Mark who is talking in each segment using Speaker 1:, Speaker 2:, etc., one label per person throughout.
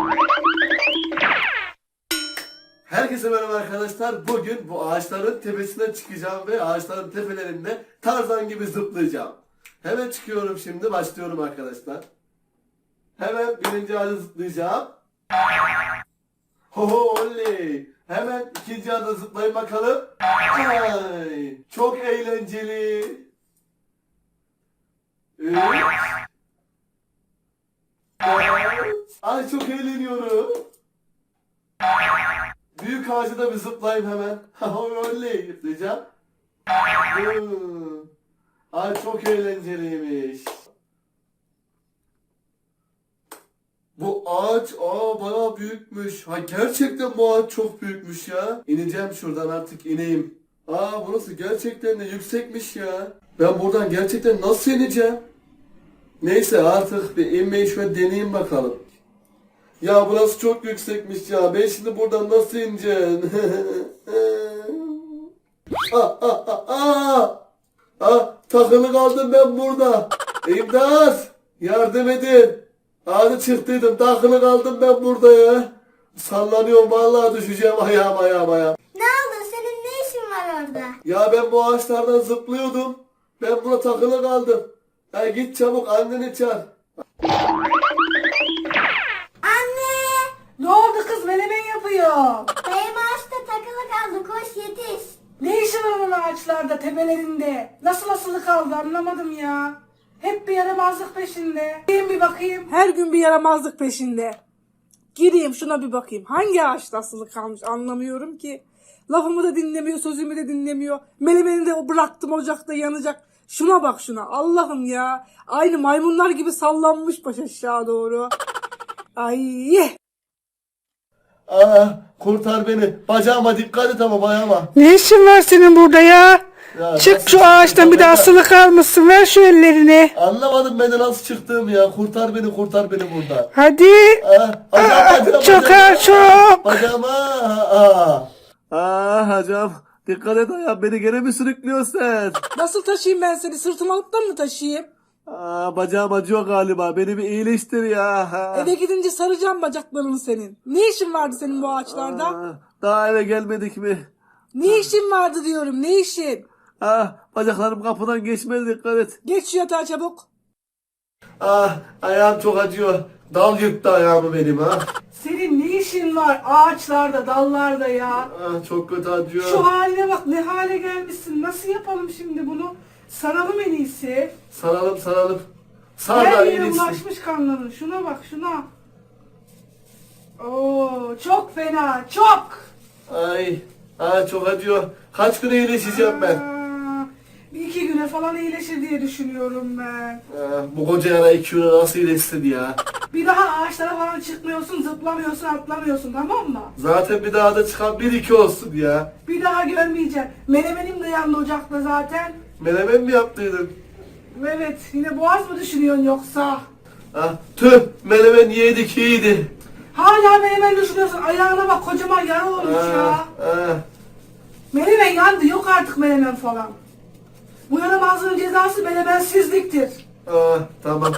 Speaker 1: Herkese merhaba arkadaşlar. Bugün bu ağaçların tepesine çıkacağım ve ağaçların tepelerinde Tarzan gibi zıplayacağım. Hemen çıkıyorum şimdi. Başlıyorum arkadaşlar. Hemen birinci ağaca zıplayacağım. Hoho oley. Hemen ikinci ağaca zıplayın bakalım. Ay, çok eğlenceli. Evet. Ay çok eğleniyorum. Büyük ağacı da bir zıplayayım hemen. Oley zıplayacağım. Ay çok eğlenceliymiş. Bu ağaç bayağı büyükmüş. Ha gerçekten bu ağaç çok büyükmüş ya. İneceğim şuradan artık ineyim. Burası gerçekten de yüksekmiş ya. Ben buradan gerçekten nasıl ineceğim? Neyse artık bir inmeyi şöyle deneyeyim bakalım. Ya burası çok yüksekmiş ya. Ben şimdi buradan nasıl ineceğim? Takılı kaldım ben burada. İmdat! Yardım edin. Ağzı çıktıydım. Takılı kaldım ben burada ya. Sallanıyorum vallahi düşeceğim ayağım.
Speaker 2: Ne oldu? Senin ne işin var orada?
Speaker 1: Ya ben bu ağaçlardan zıplıyordum. Ben buna takılı kaldım. Ya git çabuk anneni çağır.
Speaker 2: Anne!
Speaker 3: Ne oldu kız, menemen yapıyor?
Speaker 2: Dayım ağaçta takılı kaldı. Koş yetiş.
Speaker 3: Ne işi var onun ağaçlarda, tepelerinde? Nasıl kaldı anlamadım ya. Hep bir yaramazlık peşinde. Gireyim bir bakayım. Her gün bir yaramazlık peşinde. Gireyim şuna bir bakayım. Hangi ağaçta asılı kalmış anlamıyorum ki. Lafımı da dinlemiyor, sözümü de dinlemiyor. Menemeni de bıraktım ocakta yanacak. Şuna bak şuna. Allah'ım ya. Aynı maymunlar gibi sallanmış baş aşağı doğru. Ay.
Speaker 1: Kurtar beni. Bacağıma dikkat et ama ayağıma.
Speaker 3: Ne işin var senin burada ya?
Speaker 1: Ya
Speaker 3: Çık
Speaker 1: nasıl
Speaker 3: şu ağaçtan,
Speaker 1: çıktım
Speaker 3: bir de
Speaker 1: ben?
Speaker 3: asılı kalmışsın. Ver şu ellerini.
Speaker 1: Anlamadım ben de nasıl çıktığımı ya. Kurtar beni buradan.
Speaker 3: Hadi.
Speaker 1: Bacağıma.
Speaker 3: Çok ağır, çok.
Speaker 1: Bacağıma. Hocam. Dikkat et ayağım. Beni gene mi sürüklüyorsun sen?
Speaker 3: Nasıl taşıyayım ben seni? Sırtıma alıp da mı taşıyayım?
Speaker 1: Bacağım acıyor galiba. Beni bir iyileştir ya.
Speaker 3: Eve gidince saracağım bacaklarını senin. Ne işin vardı senin bu ağaçlarda?
Speaker 1: Daha eve gelmedik mi?
Speaker 3: Ne işin vardı diyorum, ne işin?
Speaker 1: Bacaklarım kapıdan geçmedi, dikkat et.
Speaker 3: Geç şu yatağa çabuk.
Speaker 1: Ayağım çok acıyor. Dal yırttı ayağımı benim
Speaker 3: Senin ne işin var ağaçlarda, dallarda ya?
Speaker 1: Çok kötü acıyor.
Speaker 3: Şu haline bak, ne hale gelmişsin. Nasıl yapalım şimdi bunu? Saralım en iyisi.
Speaker 1: Saralım. Sar da
Speaker 3: Her yere
Speaker 1: iyileşsin.
Speaker 3: ulaşmış kanların. Şuna bak, şuna. Oo, çok fena, çok.
Speaker 1: Çok acıyor. Kaç gün iyileşeceğim ben?
Speaker 3: Bir iki güne falan iyileşir diye düşünüyorum ben.
Speaker 1: Bu koca yara 2 gün nasıl iyileşsin ya?
Speaker 3: Bir daha ağaçlara falan çıkmıyorsun, zıplamıyorsun, atlamıyorsun, tamam mı?
Speaker 1: Zaten bir daha da çıkan 1-2 olsun ya.
Speaker 3: Bir daha görmeyeceğim. Menemenim de yandı ocakta zaten.
Speaker 1: Menemen mi yaptıydın?
Speaker 3: Evet, yine boğaz mı düşünüyorsun yoksa?
Speaker 1: Tüh, menemen yedik iyiydi.
Speaker 3: Hala menemen düşünüyorsun. Ayağına bak, kocaman yara olmuş ya. Menemen yandı, yok artık menemen falan. Bu yaramazlığın cezası menemensizliktir.
Speaker 1: Tamam.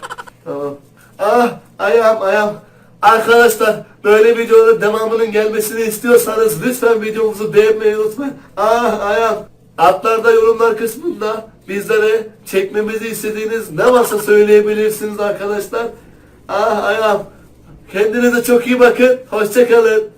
Speaker 1: Ayağım. Arkadaşlar böyle videoların devamının gelmesini istiyorsanız lütfen videomuzu beğenmeyi unutmayın. Ayağım. Altlarda yorumlar kısmında bizlere çekmemizi istediğiniz ne varsa söyleyebilirsiniz arkadaşlar. Ayağım. Kendinize çok iyi bakın. Hoşça kalın.